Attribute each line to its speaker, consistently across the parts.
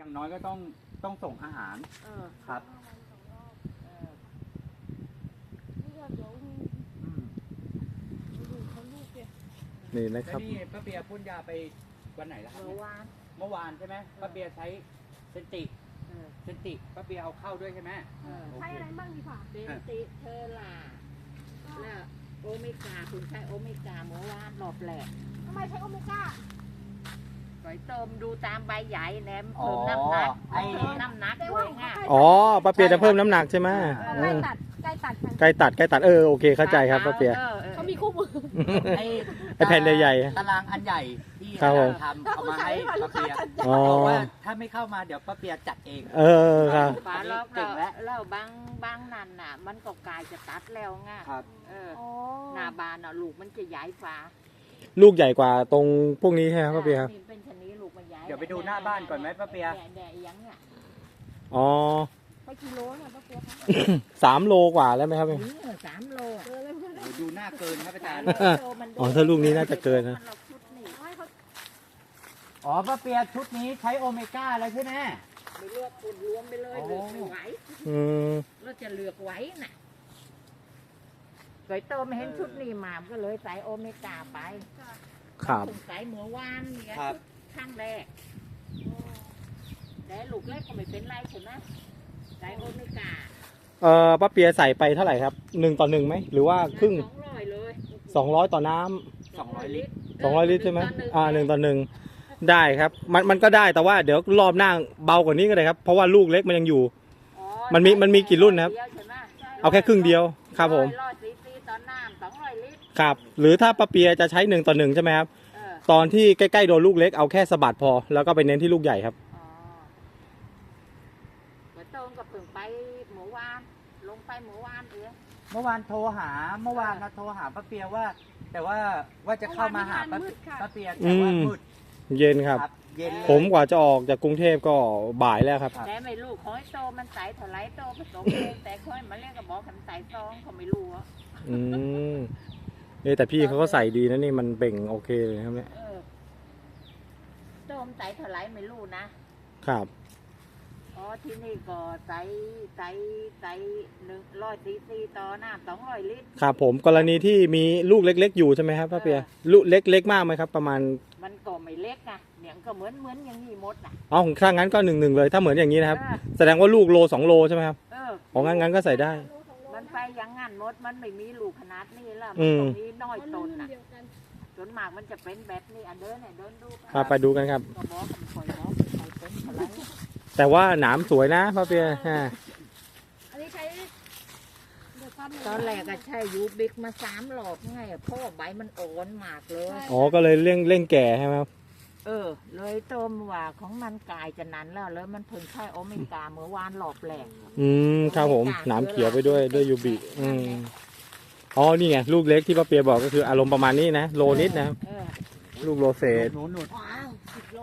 Speaker 1: อย่างน้อยก็ต้องส่งอาหารครับ
Speaker 2: นี่นะครับ
Speaker 1: นี่ป้าเบียร์พ่นยาไปวันไหนแล้วครับเมื่อวานใช่ไหมป้าเบียร์ใช้เซนติป้าเบียร์เอาเข้าด้วยใช่ไหม
Speaker 3: ใช้อะไรบ้างดีกว่า
Speaker 4: เซนติเทอร่าแล้วโอเมก้าคุณใช้โอเมก้าเมื่อวานรอบแรก
Speaker 3: ทำไมใช้โอเมก้า
Speaker 4: ไปเติมดูตามใบใหญ่แหนมเพิ่มน้ำหนักน้ำหนักด้วยไง
Speaker 2: อ๋อป้าเปียจะเพิ่มน้ำหนักใช่ไหมใกล้ตัดโอเคเข้าใจครับป้าเปีย
Speaker 3: เขามีคู่มือ
Speaker 2: ไอแผ่นใหญ่
Speaker 1: ตารางอันใหญ่ที่ทำเอามาให้ป้าเปียบอกว่าถ้าไม่เข้ามาเดี๋ยวป้าเปียจัดเอง
Speaker 2: ครับ
Speaker 4: ป้าล็อกแล้วบางนั่นน่ะมันก็กลายจะตัดแล้วไงหน้าบานน่ะลูกมันจะใหญ่ฟ้า
Speaker 2: ลูกใหญ่กว่าตรงพวกนี้ใช่ไหมป้าเปียครับ
Speaker 4: เป็นชนิดลูกมันใหญ่
Speaker 1: เดี๋ยวไปดูหน้าบ้านก่อนไหมป้าเปีย
Speaker 2: อ๋อ
Speaker 3: ไปกิโลเนี่ยป้าเปีย
Speaker 2: 3 โลกว่าแล้วไหมครับพี่
Speaker 4: 3 โล
Speaker 1: ดูหน้าเกินครับอาจารย์
Speaker 2: อ๋อถ้าลูกนี้น่าจะเกินนะ
Speaker 1: อ๋อป้าเปียชุดนี้ใช้โอเมก้าแล้วใช่ไหม
Speaker 4: ไม่เลือกคุณรวมไปเลยเลือกไม่ไหวเราจะเลือกไหวน่ะสวยโตไม่เห็นชุดนี้มาก็เลยใส่โอเมก้าไป
Speaker 2: ครับ
Speaker 4: ใส่หมูหวานเนี่ยข้างแรกแต่ลูกเล็กก็ไม่เป็นไรใช่ไหมใส่โอเมก้า
Speaker 2: ป้าเปียใส่ไปเท่าไหร่ครับ1:1ไหมหรือว่าครึ่ง
Speaker 4: 200เลย
Speaker 2: 200ต่อน้ำ
Speaker 1: 200 ลิตร
Speaker 2: 200 ลิตรใช่ไหม1:1ได้ครับมันก็ได้แต่ว่าเดี๋ยวรอบหน้าเบากว่านี้ก็ได้ครับเพราะว่าลูกเล็กมันยังอยู่มันมีกี่รุ่นนะครับเอาแค่ครึ่งเดียวครับผมครับหรือถ้าป้าเปียจะใช้1:1ใช่ไหมครับตอนที่ใกล้ๆโดนลูกเล็กเอาแค่สะบัดพอแล้วก็ไปเน้นที่ลูกใหญ่ครับ
Speaker 4: ไปหมูวานลงไปหมูวาน
Speaker 1: เมื่อวานโทรหาป้าเปียว่าแต่ว่าจะเข้ามาหาป้าเปียแต่ว่ามืด
Speaker 2: เย็นครับผมกว่าจะออกจากกรุงเทพก็บ่ายแล้วครับ
Speaker 4: แต่ไม่รู้ขอให้โตมันใส่ถลายโตผสมเองแต่ค่อยมาเรียกกับบอกกันใส่ซองเขาไม่รู้อ่ะ
Speaker 2: แต่พี่เขาก็ใส่ดีนะนี่มันเบ่งโอเคเลยครับเนี่ย
Speaker 4: โตมันใส่ถลายไม่รู้นะครับที่นี่ก็ใส่100 cc ต่อน้ำ200 ลิตร
Speaker 2: ครับผมกรณีที่มีลูกเล็กๆอยู่ใช่ไหมครับป้าเปียลูกเล็กๆมากไหมครับประมาณ
Speaker 4: มันก็ไม่เล็กนะเนี่ยก็เหมือนอย่างนี้หมดนะ
Speaker 2: อ๋อของข้างงั้นก็1:1เลยถ้าเหมือนอย่างนี้นะครับแสดงว่าลูกโล2 โลใช่ไหมครับของงั้นก็ใส่ได้
Speaker 4: มันไปอย่างงั้นหมดมันไม่มีลูกขนาดนี้แล้วมันตรงนี้น้อยต้นนะจนมากมันจะเป็นแบบนี้เดินดู
Speaker 2: ไปดูกันครับแต่ว่าหนามสวยนะป้าเปีย
Speaker 3: อันนี้ใช้
Speaker 4: ตอนแรกก็ใช้ยูบิกมา3 รอบไงเพราะใบมันอ่อนมากเลย
Speaker 2: อ๋อก็เลยเร่งแก่ใช่ไหมครับ
Speaker 4: เลยต้มว่าของมันกายจะนั้นแล้วมันเพิ่งใช้โอเมก้าเมื่อวานรอบแรก
Speaker 2: ครับผมหนามเขียวไปด้วยยูบิอ๋อนี่ไงลูกเล็กที่ป้าเปียบอกก็คืออารมณ์ประมาณนี้นะโลนิดนะครับลูกโลเศษ
Speaker 1: หนุน10 โล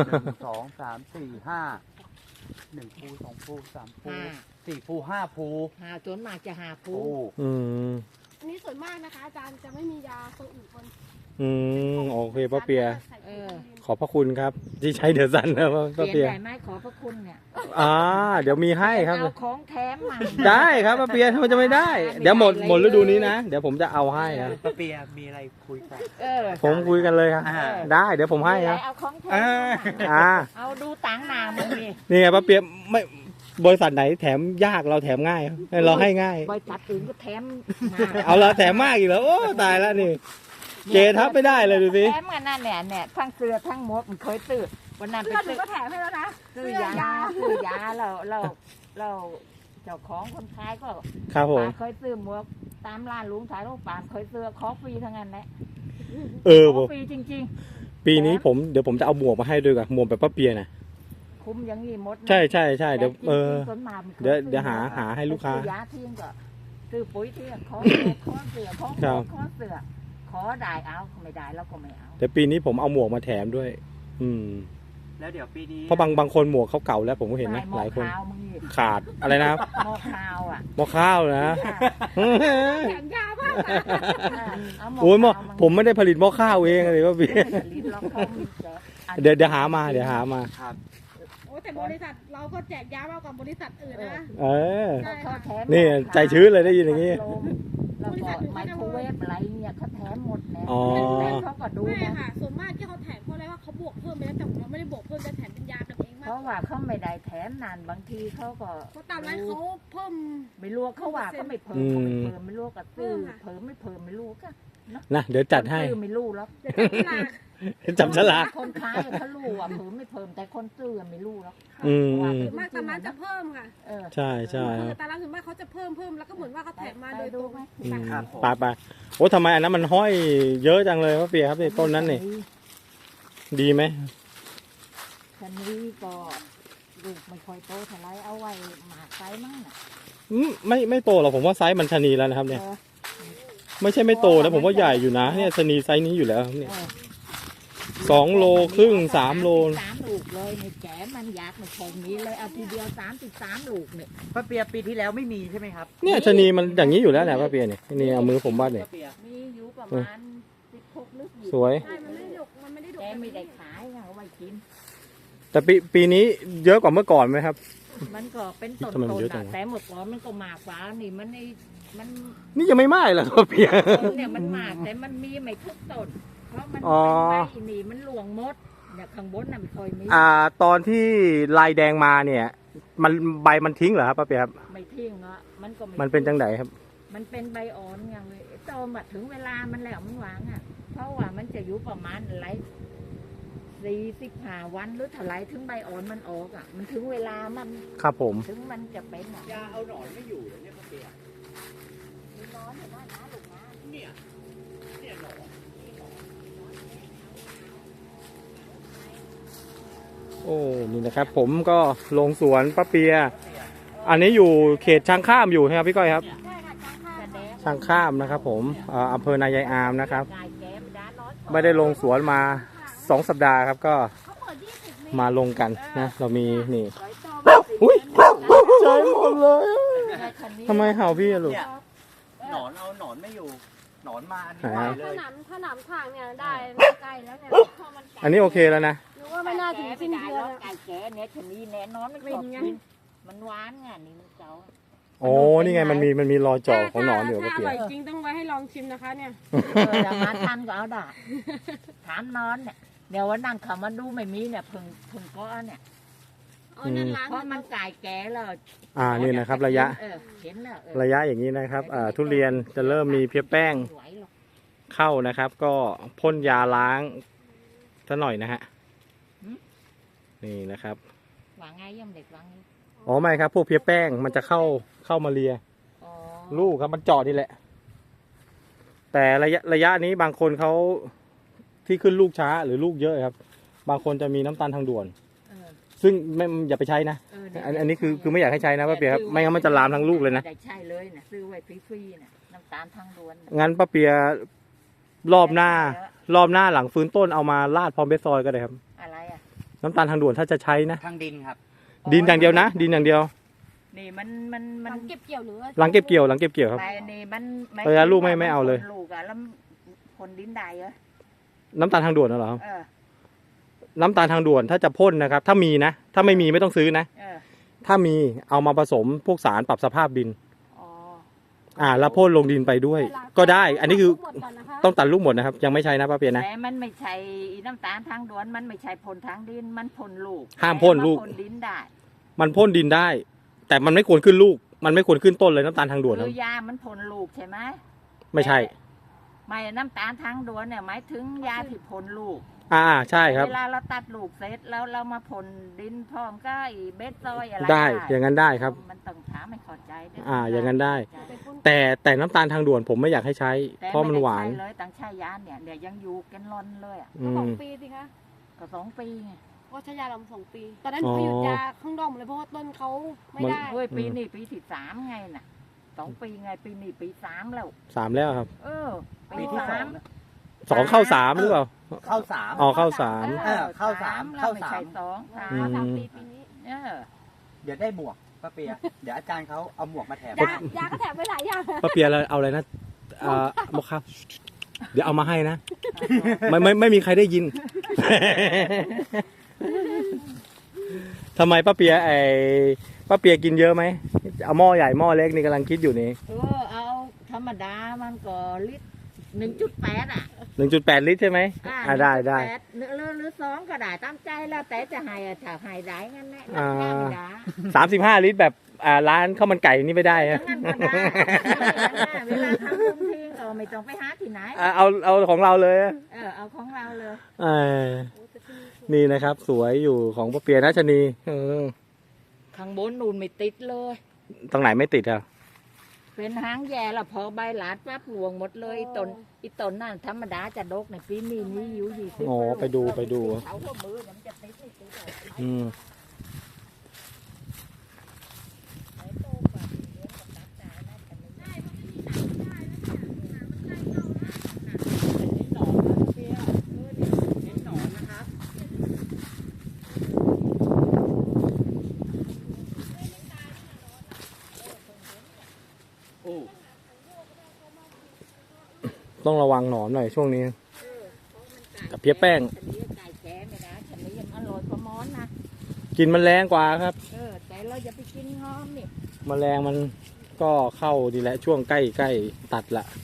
Speaker 1: 1 2 3 4 5 1 ภู 2 ภู 3 ภู 4 ภู 5 ภู
Speaker 4: จนมากจะ5 ภู
Speaker 3: อันนี้ส่วนมากนะคะอาจารย์จะไม่มียาตัวอื่นบน
Speaker 2: โอเคป้าเปียขอบพระคุณครับที่ใช้เดือดสันนะป้าเปีย
Speaker 4: ได้ไหมขอพระคุณเนี่ย
Speaker 2: เดี๋ยวมีให้ครับ
Speaker 4: เอาของแถมมา
Speaker 2: ได้ครับป้าเปียทำไมจะไม่ได้เดี๋ยวหมดฤดูนี้นะเดี๋ยวผมจะเอาให้ครับ
Speaker 1: ป้าเปียมีอะไรคุยกัน
Speaker 2: ผมคุยกันเลยครับได้เดี๋ยวผมให้ครับ
Speaker 4: เอาของแถมเอาดูตังค์นามัน
Speaker 2: นี่ไงป้าเปียไม่บริษัทไหนแถมยากเราแถมง่ายเราให้ง่าย
Speaker 4: บริษัทอื่นก็แถม
Speaker 2: เอาละแถมมากอีกแล้วโอ้ตายแล้วนี่เกทับไม่ได้เลยดูสิ
Speaker 4: แถมกันนั่นเนี่ยทั้งเสื้อทั้งหมวกมันเคยตื้อวันนั้น
Speaker 3: ไปซื้อก็แถมให้แล้วนะ
Speaker 4: ซื้อยาเราเจ้าของคนขายก็
Speaker 2: ครับผม
Speaker 4: เคยซื้อหมวกตามร้านลุงขายลูกปานเคยซื้อขอฟรีทั้งนั้นแหละฟรีจริง
Speaker 2: ๆปีนี้เดี๋ยวผมจะเอาหมวกมาให้ด้วยกันหมวกแบบป้าเปียนะ
Speaker 4: คุ้มอย่างนี้หมด
Speaker 2: ใช่เดี๋ยวเดี๋ยวหาให้ลูกค้า
Speaker 4: ซื้อยาทิ้งก็ซื้อปุ๋ยทิ้งขอเสือขอได้เอาไม่ได้แล้วก็ไม่เอา
Speaker 2: แต่ปีนี้ผมเอาหมวกมาแถมด้วย
Speaker 1: แล้วเดี๋ยวปีนี้
Speaker 2: เพราะบางคนหมวกเขาเก่าแล้วผมก็เห็นนะหลายคนขาดอะไรนะครับ
Speaker 4: หม้อข้าว
Speaker 2: หม้อข้าวนะ
Speaker 3: แข็งยาวมาก
Speaker 2: โอ้ยผมไม่ได้ผลิตหม้อข้าวเองเลยว่าพี่เดี๋ยวหามา
Speaker 3: โอ้แต่บริษัทเราก็แจกยามากกว่าบริษัทอื่นนะ
Speaker 2: เออ
Speaker 3: ใช่
Speaker 4: เขา
Speaker 3: ค่ะ
Speaker 4: แถม
Speaker 2: นี่ใจชื้นเลยได้ยินอย่างนี้
Speaker 4: แล้วก็ไมโครเวฟอะไรเนี่ยเขาแถมหมดแล้ว
Speaker 2: อ๋อ
Speaker 4: แต่เขาก็ดู
Speaker 3: ไม่
Speaker 4: นะ
Speaker 3: ค่ะส่วนมากที่เขาแถมเพราะอะไรว่าเขาบวกเพิ่มไปแล้วแต่ของเราไม่ได้บวกเพิ่มจะแถมเป็นยากันเองมา
Speaker 4: เพ
Speaker 3: ก
Speaker 4: ราะว่าเขาไม่ได้แถมนานบางทีเขาก็
Speaker 3: เพราะตามร้านเขาเพิ่ม
Speaker 4: ไม่รู้เขาว่าเขาไม่เพิ่มเขาไม่เพิ่มไม่รู้ก็ซื้อเพิ่มไม่เพิ่มไม่รู้ก็
Speaker 2: นะเดี๋ยวจัดให้
Speaker 4: ซื้อไม่รู้หรอก
Speaker 3: เดี๋ยวจับฉลาก
Speaker 2: จับฉลาก
Speaker 4: คนขายเขารู้ว่าเพิ่มไม่เพิ่มแต่คนซื้อไม่รู้หรอก
Speaker 2: อืม
Speaker 3: ส่วนมากตามร้านจะเพิ่มค่ะ
Speaker 4: เออ
Speaker 2: ใช่ใช่
Speaker 3: คือตามร้านส่วนมากเขาจะเพิ่มแล้วก็เหมือนว่าเขาแถมมาโดยตรง
Speaker 2: อืม
Speaker 1: ครับผม
Speaker 2: ไปโอ้ทำไมอันนั้นมันห้อยเยอะจังเลยป้าเปียครับนี่ต้นนั้นนี่ดีไหม
Speaker 4: คันนี้ก็ลูกไม่ค่อยโตเท่าไรเอาไว้หมากไซมั่งน่ะ
Speaker 2: ไม่โตหรอกผมว่าไซส์มันชะนีแล้วนะครับเนี่ย
Speaker 4: เออ
Speaker 2: ไม่ใช่ไม่โตนะผมว่าใหญ่อยู่นะเนี่ยชะนีไซส์นี้อยู่แล้วครับเนี่ย
Speaker 4: เออ
Speaker 2: 2 โลครึ่ง3 โล
Speaker 4: 3 ลูกเลยในแกมันอยากไม่คงมีเลยเอาทีเดียว33 ลูกเนี่ย
Speaker 1: ป้าเปียปีที่แล้วไม่มีใช่ไหมครับ
Speaker 2: เนี่ยชะนีมันอย่างนี้อยู่แล้วแหละป้าเปียเนี่ยนี่เอามือผมวาดเนี่ย
Speaker 1: ป้าเปีย
Speaker 4: มีอยู่ประมาณ16ลึกอยู่
Speaker 2: สวย
Speaker 3: ใช่มันไม่ได้ดกมันไม่ได้ดก
Speaker 4: แกไม่ได้ขายเอาไว้กิน
Speaker 2: แต่ปีนี้เยอะกว่าเมื่อก่อนไหมครับ
Speaker 4: มันก็เป็นต้น
Speaker 2: ทำไมมัน
Speaker 4: ๆ
Speaker 2: เยอะจั
Speaker 4: นะ
Speaker 2: งวะ
Speaker 4: แต่หมดก่อนมันก็มากกว่านี่มัน
Speaker 2: นี่ยังไม่ไหม้เหรอป้าเปีย
Speaker 4: ต้นเนี่ยมันมากแต่มันมีไม่ทุกต้นเพราะมัน
Speaker 2: อ๋อ
Speaker 4: เป็นใบนี่มันหลวงมดเนี่ยข้างบนน่ะไม่ค่อยมี
Speaker 2: ตอนที่ลายแดงมาเนี่ย มันใบมันทิ้งเหรอครับป้าเปียครับ
Speaker 4: ไม่ทิ้งอ่ะมันก็ไม่
Speaker 2: มันเป็นจังไดครับ
Speaker 4: มันเป็นใบอ่อนอย่างเลยโตมาถึงเวลามันแล้วมันหวางอ่ะ เพราะว่ามันจะอยู่ประมาณอะไร45 วันหรือเท่าไรถึงใบอ่อนมันออกอ่ะ มันถึงเวลามัน
Speaker 2: ครับผม
Speaker 4: ถึงมันจะเป็นอ่ะ
Speaker 1: ยาเอาหนอนไม่อยู่เลยเนี่ยป้าเปีย
Speaker 4: มีน้อยเห็นไหมนะลูกนะ
Speaker 1: เนี่ยหนอน
Speaker 2: โอ้นี่นะครับ ผมก็ลงสวนป้าเปีย อันนี้อยู่เขตช้างข้ามอยู่นะครับพี่ก้อยครับ
Speaker 3: ใช่ค่ะจ้างค่า
Speaker 4: แสดง
Speaker 2: ช้างข้ามนะครับ ผมอำเภอนายายอามนะครับ
Speaker 4: กายแก้มด้านน้อย
Speaker 2: ไม่ได้ลงสวนมา2 สัปดาห์ครับก็
Speaker 3: เขาเปิด20เมตร
Speaker 2: มาลงกันนะเรามีนี่
Speaker 4: ร้อยโต
Speaker 2: อุ๊ย
Speaker 4: ใจ
Speaker 2: ใจหมดเลยทำไมเห่าพี่อะลูก
Speaker 1: เนี่ยหนอนเอาหนอนไม่อยู่ หนอนมาอันนี้
Speaker 2: หา
Speaker 1: ไปเล
Speaker 3: ถ้าย หนามทางเนี่ยได้ใกล้แล้วเนี่ย
Speaker 2: อันนี้โอเคแล้วนะ
Speaker 3: หรือว่าไม่น่าถึงสิ้นเดือน
Speaker 4: ไก่แก่เนี่ยชนีแน่นอนมันชอบกินมันหวานไงนี่มันเจ้า
Speaker 2: โอ้นี่ไงมันมีรอยเจาะของหนอนอยู่ป้า
Speaker 3: ถ้าอ
Speaker 2: เปีย
Speaker 3: ร่อยจริงต้องไว้ให้ลองชิมนะคะเนี่ย
Speaker 4: จะมาทานก็เอาได้ถามนอนเนี่ยเดี๋ยววันนั่งเขามาดูไม่มีเนี่ยพึ่งก็เนี่ย
Speaker 3: เอานั่นล้าง
Speaker 4: เพราะมันไก่แก่แล้ว
Speaker 2: นี่นะครับระยะ
Speaker 4: เห็นแล้ว
Speaker 2: ระยะอย่างนี้นะครับทุเรียนจะเริ่มมีเพี้ยแป้ง
Speaker 4: ไหวหรอก
Speaker 2: เข้านะครับ ก็พ่นยาล้างซะหน่อยนะฮะนี่นะครับ
Speaker 4: วางไงย่ำเด็กวางไง
Speaker 2: อ๋อไม่ครับพวกเพี้ยแป้งมันจะเข้ามาเลีย
Speaker 4: อ๋อ
Speaker 2: ลูกครับมันเจาะนี่แหละ แต่ระยะนี้บางคนเขาที่ขึ้นลูกช้าหรือลูกเยอะครับ บางคนจะมีน้ำตาลทางด่วน
Speaker 4: เออ
Speaker 2: ซึ่งไม่อย่าไปใช้นะ
Speaker 4: เเนี่ย
Speaker 2: อันนี้คือไม่อยากให้ใช้นะป้าเปียครับไม่งั้นมันจะลามทั้งลูกเลยนะ
Speaker 4: ได้ใช่เลยนะซื้อไว้ฟรีๆนะน้ำตาลทางด่วนน่ะ
Speaker 2: งั้นป้าเปียรอบหน้าหลังฟื้นต้นเอามาราดพร้อมเบสซอยก็ได้ครับ
Speaker 4: อะไรอ่ะ
Speaker 2: น้ำตาลทางด่วนถ้าจะใช้นะ
Speaker 1: ทางดินครับ
Speaker 2: ดินอย่างเดียวนะดินอย่างเดียว
Speaker 4: นี่มัน
Speaker 3: หลังเก็บเกี่ยวหรือ
Speaker 2: หลังเก็บเกี่ยวครับ
Speaker 4: ไปนี่มัน
Speaker 2: เออลูกไม่เอาเลย
Speaker 4: ลูกอะแล้วคนดินได้เหรอ
Speaker 2: น้ำตาลทางด่วนน่ะเหรอครับ
Speaker 4: เออ
Speaker 2: น้ำตาลทางด่วนถ้าจะพ่นนะครับ ถ้ามีนะ ถ้าไม่มีไม่ต้องซื้อนะ
Speaker 4: เออ
Speaker 2: ถ้ามีเอามาผสมพวกสารปรับสภาพดิน
Speaker 4: อ๋อ
Speaker 2: แล้วพ่นลงดินไปด้วย ก็ได้ อันนี้คือ
Speaker 3: หมดก่อนนะคะ
Speaker 2: ต้องตัดลูกหมดนะครับ ยังไม่ใช่นะป้าเปียนะ
Speaker 4: แต่มันไม่ใช่น้ำตาลทางด่วนมันไม่ใช่พ่นทางดินมันพ่นลูก
Speaker 2: ห้ามพ่นลูก
Speaker 4: แต่ว่าพ่นดินได้
Speaker 2: มันพ่นดินได้ แต่มันไม่ควรขึ้นลูก มันไม่ควรขึ้นต้นเลยน้ำตาลทางด่วนค
Speaker 4: คื
Speaker 2: รับ
Speaker 4: อยามันพ่นลูกใช่ไหม
Speaker 2: ไม่ใช่
Speaker 4: ไม่น้ำตาลทางด่วนเนี่ยหมายถึงยาที่พ่นลูก
Speaker 2: ใช่ครับ
Speaker 4: เวลาเราตัดลูกเสร็จแล้วเรามาพ่นดินพร้อมก็ไอ้เบสซอยอะไร
Speaker 2: ได้อย่างนั้นได้ครับ
Speaker 4: มันต้องถามให้เข้าใจด้วย
Speaker 2: อย่างนั้นได้
Speaker 4: ใช่
Speaker 2: แต่น้ำตาลทางด่วนผมไม่อยากให้ใช้
Speaker 4: แต่
Speaker 2: เพราะมันหวาน
Speaker 4: ไได้ใช้เลยตั้งใช้ยาเนี่ยยังอยู่กันร้อนเลยอ่ะ
Speaker 2: อื
Speaker 3: สอง
Speaker 2: ม
Speaker 3: ปีสิคะ
Speaker 4: ก็2 ปีไง
Speaker 3: ก็ใช้ยาลำ2 ปี ตอนนั้นหนูไปหยุดยาข้างนอกหมดเลยเพราะว่าต้นเขาไม่ได้
Speaker 4: เฮ้ยปีนี้ปีที่3ไงน่ะ2 ปีไงปีนี้ปี3แล้ว
Speaker 2: 3แล้วครับ
Speaker 4: เออ
Speaker 1: ปีที่
Speaker 4: สา
Speaker 1: สอ
Speaker 4: ม
Speaker 1: งนะ
Speaker 2: 2เข้า3หรือเปล่า
Speaker 1: เข้าสาม
Speaker 2: อ๋อเข้า3
Speaker 1: เข้าสาม
Speaker 4: แล้ว
Speaker 1: เข้า
Speaker 4: ไม่
Speaker 1: สาม
Speaker 4: ใช่สอง
Speaker 2: อืม
Speaker 3: 3 ปีปีนี้
Speaker 4: เออ
Speaker 1: เดี๋ยวได้หมวกป้าเปีย เดี๋ยวอาจารย์เขาเอาหมวกมาแถม
Speaker 3: ยาก็แถมไปหลายอย่าง
Speaker 2: ป้าเปียเอาอะไรนะมกครับ เดี๋ยวเอามาให้นะ ไม่มีใครได้ยินทำไมป้าเปียป้าเปียกินเยอะไหมเอาหม้อใหญ่หม้อเล็กนี่กำลังคิดอยู่นี่
Speaker 4: เอาธรรมดามันก็ลิตร 1.8 อ่ะ
Speaker 2: 1.8 ลิตรใช่ไหมได้
Speaker 4: 1.8หรือ2ก็ได้ตามใจแล้วแต่จะให้ถ้าให้ได้งั้นแหละธรรมดา
Speaker 2: 35 ลิตรแบบร้านข้าวมันไก่นี่ไม่ได้ฮะ
Speaker 4: งั้นก็ได้เวลาทำบุญทีก็ไม่ต้องไปหาที่ไหน
Speaker 2: เอาของเราเลย
Speaker 4: เอาของเราเลย
Speaker 2: นี่นะครับ สวยอยู่ของป้าเปียนะชนี
Speaker 4: ข้างบนนูนไม่ติดเลย
Speaker 2: ตรงไหนไม่ติดอ่ะ
Speaker 4: เป็นหางแย่ละพอใบหลาดปั๊บหลวงหมดเลยอีต้นนั่นธรรมดาจะดกในปีนี้มีอยู่20
Speaker 2: อ๋อไปดู
Speaker 4: เขาก็มือมันจะติดไม่ติด
Speaker 2: อืม
Speaker 1: โอ้
Speaker 2: ต้องระวังหนอนหน่อยช่วงนี้ กับเพี้ยแป้ง
Speaker 4: ไก่แก่ไม่ได้ฉันนี้ยังอร่อยกว่ามอนนะ
Speaker 2: กินมันแรงกว่าครับ
Speaker 4: แต่เราอย่าไปกินงอมนี่
Speaker 2: แมลงมันก็เข้าดีแหละช่วงใกล้ตัดละ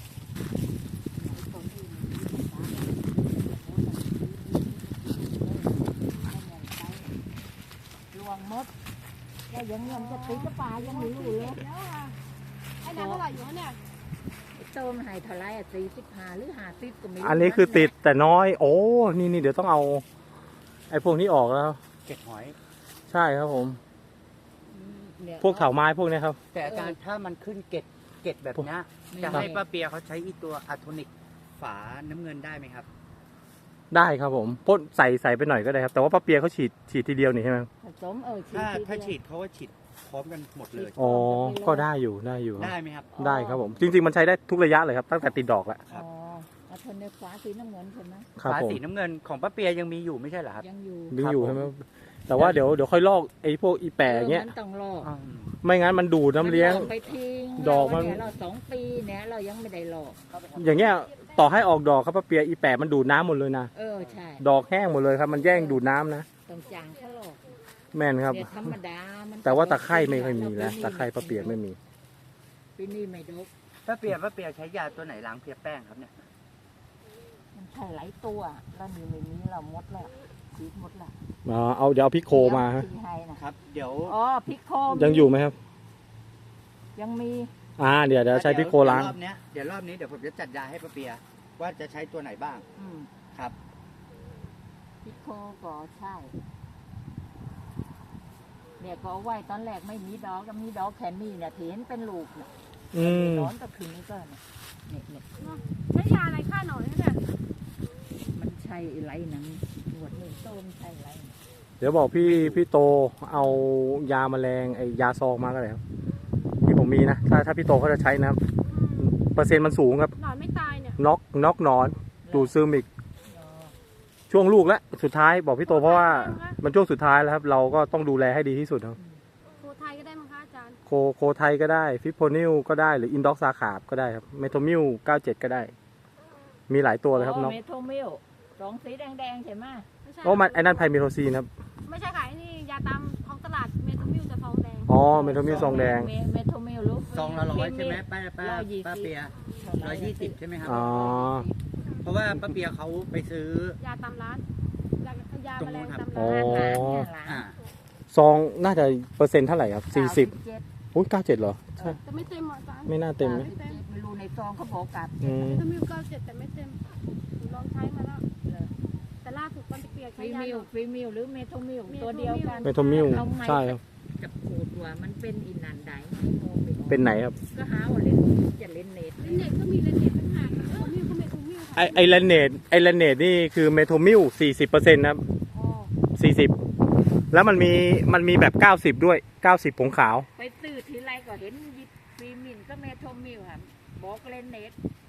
Speaker 4: ลวงมดแล้วยังเงินจะติดกระป๋ายังไม่รู้เลย
Speaker 3: ไอ้น้ำเท่าไหร่อยู่เนี่ย
Speaker 4: เติมให้เท่าไร45หรือ50ก็ไม่รู้
Speaker 2: อันนี้คือติดแต่น้อย โอ้นี่เดี๋ยวต้องเอาไอ้พวกนี้ออกแล้ว
Speaker 1: เก็ดหอย
Speaker 2: ใช่ครับผม
Speaker 4: เนี่ย
Speaker 2: พวกเถาไม้พวกนี้ครับ
Speaker 1: แต่อาจารย์ถ้ามันขึ้นเกล็ดแบบเนี้ยจะให้ป้าเปียเขาใช้อีตัวอะโทนิกฝาน้ำเงินได้ไหมครับ
Speaker 2: ได้ครับผมพ่นใส่ไปหน่อยก็ได้ครับ แต่ว่าป้าเปียเขาฉีดทีเดียวนี่ใช่ไหม
Speaker 4: ผสม
Speaker 1: ถ้าฉีดเขาว่าฉีดพร้อมกันหมดเลย
Speaker 2: อ๋อก็ได้อยู่ครับ
Speaker 1: ได้ไหมครับ
Speaker 2: ได้ครับผม จริงๆมันใช้ได้ทุกระยะเลยครับตั้งแต่ติดดอกแล้ว
Speaker 1: ครับ
Speaker 4: เอาทนในฟ้าสีน้ำเงินใช่ไหม
Speaker 2: ครับ
Speaker 1: ฝา
Speaker 2: ผม
Speaker 1: สีน้ำเงินของป้าเปียยังมีอยู่ไม่ใช่เหรอครับ
Speaker 4: ยังอยู่
Speaker 2: ดึงอยู่ใช่ไหมแต่ว่าเดี๋ยวค่อยลอกไอ้พวกอีแปะอย่างเงี้ย
Speaker 4: มันต้องรอ
Speaker 1: อืม
Speaker 2: ไม่งั้นมันดูดน้ำเลี้ยง
Speaker 4: ไปทิ้ง
Speaker 2: ดอกมัน
Speaker 4: เรา2 ปีเนี่ยเรายังไม่ได้หลอก
Speaker 2: อย่างเงี้ยต่อให้ออกดอกครับป้าเปียอีแปะมันดูดน้ำหมดเลยนะ
Speaker 4: ใช่
Speaker 2: ดอกแห้งหมดเลยครับ มันแย่งดูดน้ำนะ
Speaker 4: ต้องจางเขาหลอก
Speaker 2: แม่นครับ
Speaker 4: เนี่ยธรรมดามัน
Speaker 2: แต่ว่าตะไคร่ไม่ค่อยมีแล้วตะไคร่ป้าเปียไม่มี
Speaker 4: ปีนี้ไม่ดก
Speaker 1: ป้าเปียใช้ยาตัวไหนล้างเพลียแป้งครับเนี่ย
Speaker 4: มันใช่หลายตัวแล้วนี่ไม่มีเราหมดแล้วฉีดหมดแล้ว
Speaker 2: เดี๋ยวเอาพิโคมาฮะ
Speaker 4: ที่ให้นะครับ
Speaker 1: เดี๋ยว
Speaker 4: พิโค
Speaker 2: ยังอยู่ไหมครับ
Speaker 4: ยังมี
Speaker 2: เดี๋ยวใช้พิโคล้าง
Speaker 1: รอบนี้เดี๋ยวผมจะจัดยาให้ป้าเปียว่าจะใช้ตัวไหนบ้าง ครับ
Speaker 4: พิโคก็ใช่เนี่ยก็เอาไว้ตอนแรกไม่มีดอกก็มีดอกแค่นี้เนี่ยที่เห็นเป็นลูกเนี่ย
Speaker 2: อืม
Speaker 4: นอนก็คืนนี้ก็เนี่ย
Speaker 3: ใช้ยาอะไรฆ่าหนอนเนี่ย
Speaker 4: มันใช่ไรหนังหนวดนี่ต้มใช่ไร
Speaker 2: เดี๋ยวบอกพี่โตเอายาแมลงไอยาซองมาก็ได้ครับที่ผมมีนะถ้าพี่โตเขาจะใช้นะครับเปอร์เซ็นต์มันสูงครับ
Speaker 3: หนอนไม่ตายเนี่ย
Speaker 2: น็อกหนอนดูดซึมอีกช่วงลูกแล้วสุดท้ายบอกพี่โตเพราะว่ามันช่วงสุดท้ายแล้วครับ เราก็ต้องดูแลให้ดีที่สุดครับ
Speaker 3: โคไทยก็ได้มั้งคะอาจารย์
Speaker 2: โคไทยก็ได้ฟิปโพนิลก็ได้หรืออินด็อกซาขาบก็ได้ครับเมโทมิล97ก็ได้ มีหลายตัวเลยครับน็อก
Speaker 4: เมโทมิลสองสีแดงๆใช่ไหม
Speaker 3: ไม่ใช่
Speaker 2: โอ้มันไอ้นั่นไพเมโทซีนครับ
Speaker 3: ไม่ใช่ค่ะไอ้นี่ยาตามท้องตลาดเมทามิลจะซองแดง
Speaker 2: อ๋อเมโทมิลซองแดง
Speaker 4: เมโทมิลรู้
Speaker 1: ซองละ100ใช่ไหมป้าเปีย120ใช่ไหมครับ
Speaker 2: อ๋อ
Speaker 1: เพราะว่าป้าเปียเขาไปซื้อ
Speaker 3: ยาตามร้านยาแมลงตาม
Speaker 2: อ๋
Speaker 3: ร้า
Speaker 2: อ
Speaker 3: น
Speaker 1: อ่า
Speaker 2: ซองน่าจะเปอร์เซ็นต์เท่าไหร่ครับ40อุ้ย97เหรอใช่
Speaker 3: แต่ไม่เต็มอ่ะอาจารย์
Speaker 2: ไม่น่าเต็มไหม
Speaker 4: ไม่รู้ในซองเขาบอกกับ
Speaker 2: อืม
Speaker 3: เมทามิล97แต่ไม่เต็มหนูลองใช้มาแล้วแต่ล่าสุดตอนเปียก
Speaker 4: ฟ
Speaker 3: ใช้
Speaker 4: รี
Speaker 3: ยา
Speaker 4: มิ
Speaker 3: ห
Speaker 4: ล
Speaker 3: นอน
Speaker 4: ฟรีมิลหรือเมโทมิลตัวเดียวกัน
Speaker 2: เมโทมิลใช่ครับ
Speaker 4: จะขูดว่ามันเป็นอินันได
Speaker 2: เป็นไหนครับ
Speaker 4: ก็หาว่าเล่นจะเล่นเน็ต
Speaker 3: เลนเน็ตก็มีเลนเน็ตต่างหากเมทามิลก็เมทามิลค่ะ
Speaker 2: ไอแลนเนตนี่คือเมโทมิล40%นะครับ
Speaker 3: อ๋อ
Speaker 2: 40แล้วมันมีแบบ90ด้วย90ผงขาว
Speaker 4: ไปซื้อทีไรก็เห็นฟรีมิลก็เมโทมิลค่ะบอกเล่นเน็ต